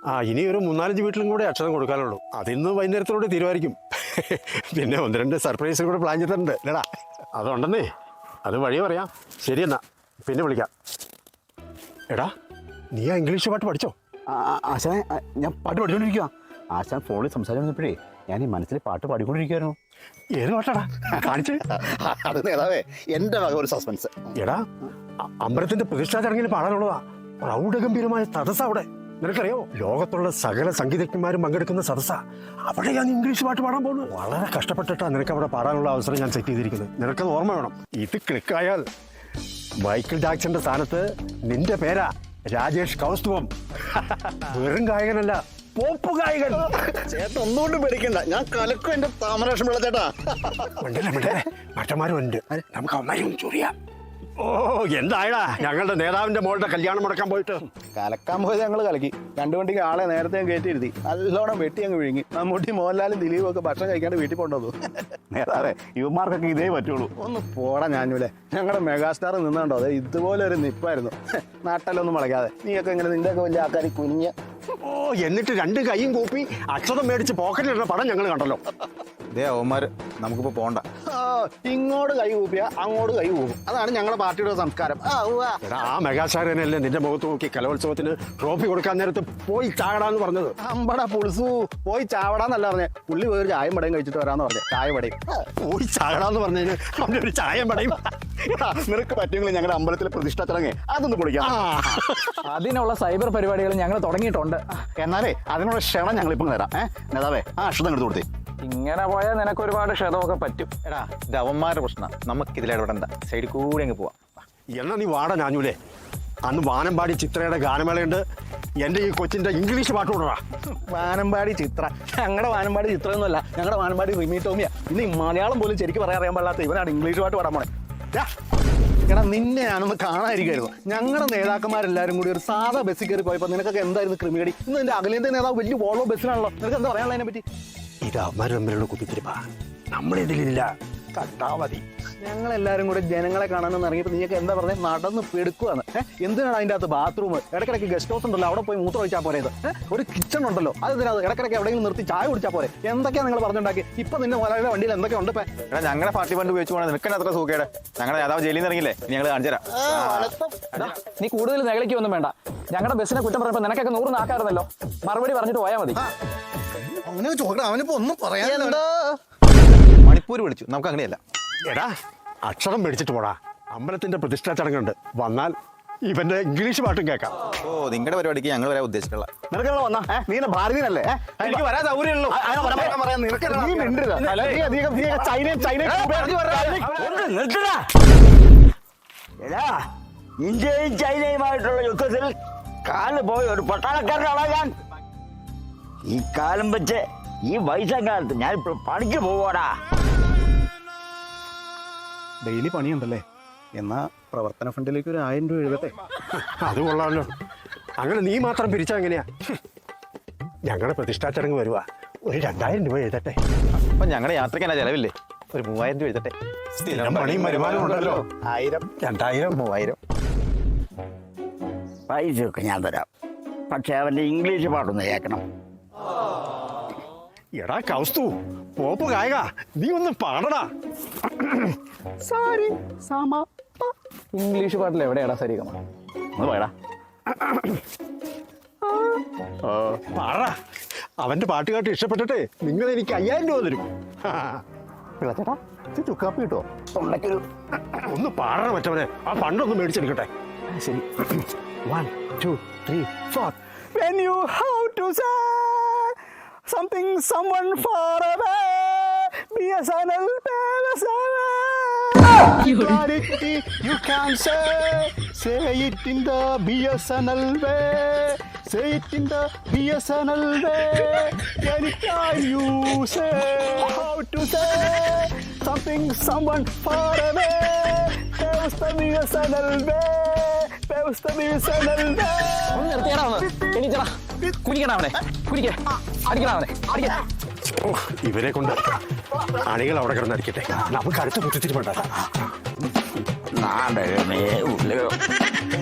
ഇനി ഒരു 3-4 വീട്ടിലും കൂടെ അക്ഷരം കൊടുക്കാനുള്ളൂ. അതിന്ന് വൈകുന്നേരത്തോടെ തീരുമാനിക്കും. പിന്നെ 1-2 സർപ്രൈസ് കൂടെ പ്ലാൻ ചെയ്തിട്ടുണ്ട് അല്ലടാ. അതുണ്ടെന്നേ, അത് വഴി പറയാം. ശരി എന്നാ, പിന്നെ വിളിക്കാം. എടാ, നീ ആ ഇംഗ്ലീഷ് പാട്ട് പഠിച്ചോ? ആശാനെ, ഞാൻ പാട്ട് പഠിച്ചുകൊണ്ടിരിക്കുക. ആശാൻ ഫോണിൽ സംസാരിച്ചപ്പോഴേ ഞാൻ ഈ മനസ്സിൽ പാട്ട് പാടിക്കൊണ്ടിരിക്കുകയായിരുന്നു. ഏത് പാട്ടാടാ കാണിച്ച്? അത് നേതാവേ, എൻ്റെ വക ഒരു സസ്പെൻസ്. എടാ, അമ്പലത്തിന്റെ പ്രതിഷ്ഠാ ചടങ്ങിൽ പാടാനുള്ളതാ. പ്രൗഢഗംഭീരമായ സദസ്സാ അവിടെ. നിനക്കറിയോ, ലോകത്തുള്ള സകല സംഗീതജ്ഞന്മാരും പങ്കെടുക്കുന്ന സദസ്സാ. അവിടെ ഞാൻ ഇംഗ്ലീഷ് പാട്ട് പാടാൻ പോകുന്നു. വളരെ കഷ്ടപ്പെട്ടിട്ടാ നിനക്ക് അവിടെ പാടാനുള്ള അവസരം ഞാൻ സെറ്റ് ചെയ്തിരിക്കുന്നത്. നിനക്കത് ഓർമ്മ വേണം. ഇത് ക്ലിക്കായാൽ മൈക്കിൾ ജാക്സന്റെ സ്ഥാനത്ത് നിന്റെ പേരാ രാജേഷ് കൗസ്തുഭം. വെറും ഗായകനല്ല, പോപ്പ് ഗായകൻ. ചേട്ടൻ ഒന്നുകൊണ്ട് പേടിക്കണ്ട, ഞാൻ കലക്കും എൻ്റെ താമരാക്ഷം പിള്ള ചേട്ടാ. മറ്റന്മാരും ഉണ്ട്, നമുക്ക് അവന്മാരും ചൊറിയാം. ഓ, എന്തായടാ ഞങ്ങളുടെ നേതാവിന്റെ മോളുടെ കല്യാണം മുടക്കാൻ പോയിട്ട്? കലക്കാൻ പോയത് ഞങ്ങൾ കലക്കി. 2 വണ്ടിക്ക് ആളെ നേരത്തെ കയറ്റിയിരുത്തി നല്ലോണം വെട്ടി അങ്ങ് വിഴുങ്ങി. മമ്മൂട്ടി, മോഹൻലാലും ദിലീപും ഒക്കെ ഭക്ഷണം കഴിക്കാണ്ട് വീട്ടിൽ കൊണ്ടുവന്നു. നേതാവേ, യുവമാർക്കൊക്കെ ഇതേ പറ്റുള്ളൂ. ഒന്ന് പോടാ ഞാനൂലെ. ഞങ്ങളുടെ മെഗാസ്റ്റാർ നിന്നുണ്ടോ, അതെ ഇതുപോലെ ഒരു നിപ്പായിരുന്നു. നാട്ടിലൊന്നും മുളയ്ക്കാതെ നീയൊക്കെ ഇങ്ങനെ നിന്റെയൊക്കെ വലിയ ആൾക്കാർ കുഞ്ഞ്. ഓ, എന്നിട്ട് 2 കൈയും കൂപ്പി അക്ഷതം മേടിച്ച് പോക്കറ്റിലിടുന്ന പടം ഞങ്ങൾ കണ്ടല്ലോ. ഇതേ അവന്മാര് നമുക്കിപ്പോ പോണ്ട. ഇങ്ങോട്ട് കൈ കൂപ്പിയാ അങ്ങോട്ട് കൈ കൂപ്പും. അതാണ് ഞങ്ങളുടെ പാർട്ടിയുടെ സംസ്കാരം. ആ മെഗാസ്റ്റാറിനല്ലേ നിന്റെ മുഖത്ത് നോക്കി കലോത്സവത്തിന് ട്രോഫി കൊടുക്കാൻ നേരത്ത് പോയി ചാടാന്ന് പറഞ്ഞത്? അമ്പടാ പുളിസു, പോയി ചാവടാന്നല്ല പറഞ്ഞേ. പുള്ളി വേറെ ചായം പടയും കഴിച്ചിട്ട് വരാന്ന് പറഞ്ഞേ. ചായ പടയും പോയി ചാടാന്ന് പറഞ്ഞതിന് അവന്റെ ഒരു ചായം പടയും. നിനക്ക് പറ്റുമെങ്കിൽ ഞങ്ങളുടെ അമ്പലത്തിലെ പ്രതിഷ്ഠ ചടങ്ങ് അതൊന്ന് പൊളിക്കാം. അതിനുള്ള സൈബർ പരിപാടികൾ ഞങ്ങൾ തുടങ്ങിയിട്ടുണ്ട്. എന്നാലേ അതിനുള്ള ക്ഷണം ഞങ്ങളിപ്പം തരാം. നേതാവേ, ആ അക്ഷതം എടുത്ത് കൊടുത്തേ. ഇങ്ങനെ പോയാൽ നിനക്ക് ഒരുപാട് ക്ഷതമൊക്കെ പറ്റും. എടാ, ഇത് അവന്മാരുടെ പ്രശ്നം, നമുക്ക് ഇതിലിടപെടണ്ട. സൈഡിൽ കൂടി അങ്ങ് പോവാം. എന്നാ നീ വാട ഞാഞ്ഞൂലേ. അന്ന് വാനമ്പാടി ചിത്രയുടെ ഗാനമേളയുണ്ട്. എൻ്റെ ഈ കൊച്ചിന്റെ ഇംഗ്ലീഷ് പാട്ട് കൊണ്ടുവാ. വാനമ്പാടി ചിത്ര ഞങ്ങളുടെ വാനമ്പാടി ചിത്രമൊന്നുമല്ല, ഞങ്ങളുടെ വാനമ്പാടി റിമി ടോമിയ. ഇന്ന് മലയാളം പോലും ശരിക്കും പറയാൻ പാടില്ലാത്ത ഇവനാണ് ഇംഗ്ലീഷ് പാട്ട് പാടാൻ പോണേ. എടാ, നിന്നെ ഞാനൊന്ന് കാണാതിരിക്കായിരുന്നു. ഞങ്ങളുടെ നേതാക്കന്മാരെല്ലാവരും കൂടി ഒരു സാധാ ബസ്സിൽ കയറി പോയപ്പോൾ നിനക്കൊക്കെ എന്തായിരുന്നു ക്രിമികടി? ഇന്ന് നിന്റെ അഖിലേന്ത്യാ നേതാവ് വലിയ വോൾവോ ബസ്സിലാണല്ലോ. നിനക്ക് എന്താ പറയാനുള്ളതിനെ പറ്റി? ഇത് അവന്മാർ തമ്മിലുള്ള കുത്തിത്തിരിപ്പാ, നമ്മളിതിലില്ല. കണ്ടാ മതി. ഞങ്ങളെല്ലാവരും കൂടെ ജനങ്ങളെ കാണാനെന്ന് ഇറങ്ങിയപ്പോൾ നീയൊക്കെ എന്താ പറഞ്ഞത്? നടന്ന് പെടുക്കുവാണ്. എന്തിനാണ് അതിൻ്റെ അകത്ത് ബാത്റൂം? ഇടയ്ക്കിടയ്ക്ക് ഗസ്റ്റ് ഹൗസ് ഉണ്ടല്ലോ, അവിടെ പോയി മൂത്രം ഒഴിച്ചാൽ പോരെ? ഒരു കിച്ചൺ ഉണ്ടല്ലോ, അതെന്തിനാ? ഇടയ്ക്കിടയ്ക്ക് എവിടെയെങ്കിലും നിർത്തി ചായ കുടിച്ചാൽ പോരെ? എന്തൊക്കെയാണ് നിങ്ങൾ പറഞ്ഞുണ്ടാക്കി? ഇപ്പൊ നിന്റെ മുതലാളിയുടെ വണ്ടിയിൽ എന്തൊക്കെ ഉണ്ട്? എടാ, ഞങ്ങളുടെ പാർട്ടി ഫണ്ട് ഉപയോഗിച്ച് പോകണം. നിനക്ക് അത്ര സുഖേടെ. ഞങ്ങളുടെ നേതാവ് ജയിലിൽ നിന്ന് ഇറങ്ങില്ലേ, ഞങ്ങൾ കാണിച്ചു തരാം. നീ കൂടുതൽ നെകളിക്കൊന്നും വേണ്ട. ഞങ്ങളുടെ ബസ്സിനെ കുറ്റം പറയുമ്പോൾ നിനക്കൊക്കെ 100 നാക്കായിരുന്നല്ലോ. മറുപടി പറഞ്ഞിട്ട് പോയാൽ മതി. അങ്ങനെ ചോദിക്കണം, അവനിപ്പോ ഒന്നും പറയാൻ. മണിപ്പൂർ വിളിച്ചു, നമുക്ക് അങ്ങനെയല്ല. എടാ, അക്ഷരം മേടിച്ചിട്ട് പോടാ. അമ്പലത്തിന്റെ പ്രതിഷ്ഠാ ചടങ്ങുണ്ട്. വന്നാൽ ഇവന്റെ ഇംഗ്ലീഷ് പാട്ടും കേൾക്കാം. ഓ, നിങ്ങളുടെ പരിപാടിക്ക് ഞങ്ങൾ വരാൻ ഉദ്ദേശിച്ചുള്ള. നിനക്ക് വന്നാ നീ ഭാരതീയനല്ലേ? എനിക്ക് വരാൻ സൗകര്യമുള്ളൂ. ഇന്ത്യയും ചൈനയുമായിട്ടുള്ള യുദ്ധത്തിൽ കാല് പോയ ഒരു പട്ടാളക്കാരനാണ് ഞാൻ. ഈ കാലം വെച്ച് ഈ വയസ്സാം കാലത്ത് ഞാൻ ഇപ്പോൾ പണിക്ക് പോവാടാ. ഡെയിലി പണിയുണ്ടല്ലേ? എന്നാ പ്രവർത്തന ഫണ്ടിലേക്ക് ഒരു 1000 രൂപ എഴുതട്ടെ. അത് കൊള്ളാമല്ലോ. അങ്ങനെ നീ മാത്രം പിരിച്ചാ എങ്ങനെയാ? ഞങ്ങളുടെ പ്രതിഷ്ഠാ ചടങ്ങ് വരുവാ, ഒരു 2000 രൂപ എഴുതട്ടെ. അപ്പൊ ഞങ്ങളുടെ യാത്രയ്ക്ക് എന്നാ ചെലവില്ലേ? ഒരു 3000 രൂപ എഴുതട്ടെ. സ്ഥിരം പണിയും വരുമാനം ഉണ്ടല്ലോ. 1000, 2000, 3000. പൈസയൊക്കെ ഞാൻ തരാം, പക്ഷെ അവന്റെ ഇംഗ്ലീഷ് പാട്ടൊന്ന് കേൾക്കണം. എടാ കൗസ്തു, പോപ്പ് ഗായക, നീ ഒന്ന് പാടടാ. സാരി സമ ഇംഗ്ലീഷ് പാട്ടിൽ എവിടെയാടാ സരിഗമ? ഒന്ന് പോയടാ. പാടാ. അവന്റെ പാട്ട് കേട്ട് ഇഷ്ടപ്പെട്ടിട്ട് നിങ്ങൾ എനിക്ക് 5000 രൂപ തരും. ചേട്ടാ, ചുക്കാപ്പി കിട്ടോ? തൊണ്ടയ്ക്കൊരു ഒന്ന് പാടണ മറ്റവനെ. ആ ഫണ്ടൊന്ന് മേടിച്ചെടുക്കട്ടെ. ശരി. 1, 2, 3, 4. When you have to say something someone far away, BSNL, you can say it in the BSNL way, say it in the BSNL way. Anytime you say how to say something someone far away, there's the BSNL way. ഒന്ന് നിർത്തിയടാ, ഒന്ന് എണീറ്റടാ. കുടിക്കണ അവനെ, കുടിക്കേ, അടിക്കണ അവനെ, അടിക്കേ. ഇവരെ കൊണ്ട് അണികൾ അവിടെ കിടന്നടിക്കട്ടെ. നമുക്ക് അടുത്ത കുത്തിത്തിരിപ്പുണ്ടാക്കാം. നാടകമേ ഉള്ളൂ.